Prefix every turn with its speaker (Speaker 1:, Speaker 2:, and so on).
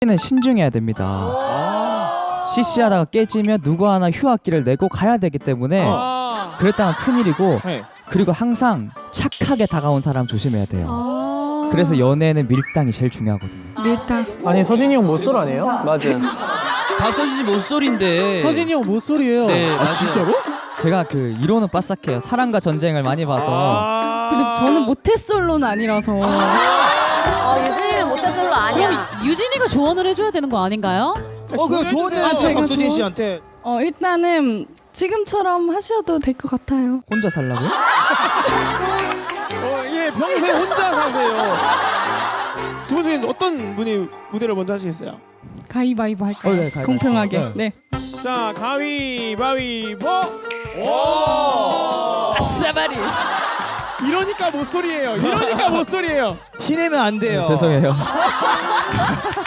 Speaker 1: 는 신중해야 됩니다. CC하다가 깨지면 누구 하나 휴학기를 내고 가야 되기 때문에 그랬다가 큰일이고
Speaker 2: 네.
Speaker 1: 그리고 항상 착하게 다가온 사람 조심해야 돼요. 그래서 연애는 밀당이 제일 중요하거든요.
Speaker 3: 밀당.
Speaker 2: 아니 서진이 형 못쏠 아니에요?
Speaker 4: 맞아.
Speaker 5: 박서진 씨 목소리인데.
Speaker 2: 서진이 형 못쏠이에요.
Speaker 5: 네, 맞아요.
Speaker 2: 진짜로?
Speaker 1: 제가 그 이론은 빠삭해요. 사랑과 전쟁을 많이 봐서.
Speaker 3: 근데 저는 모태솔로는 아니라서.
Speaker 6: 유진이는 모태솔로 아니야.
Speaker 7: 유진이가 조언을 해줘야 되는 거 아닌가요?
Speaker 2: 그냥 조언해요.
Speaker 3: 제가
Speaker 2: 박서진
Speaker 3: 조언?
Speaker 2: 씨한테.
Speaker 3: 일단은 지금처럼 하셔도 될 것 같아요.
Speaker 1: 혼자 살라고요?
Speaker 2: 예, 평생 혼자 사세요. 두 분 중에 어떤 분이 무대를 먼저 하시겠어요?
Speaker 3: 가위바위보 할까요?
Speaker 1: 네, 가위바위보.
Speaker 3: 공평하게. 네.
Speaker 2: 자, 가위바위보.
Speaker 5: 아싸바리.
Speaker 2: 이러니까 못소리예요. 이러니까 못소리예요.
Speaker 4: 티 내면 안 돼요.
Speaker 1: 죄송해요.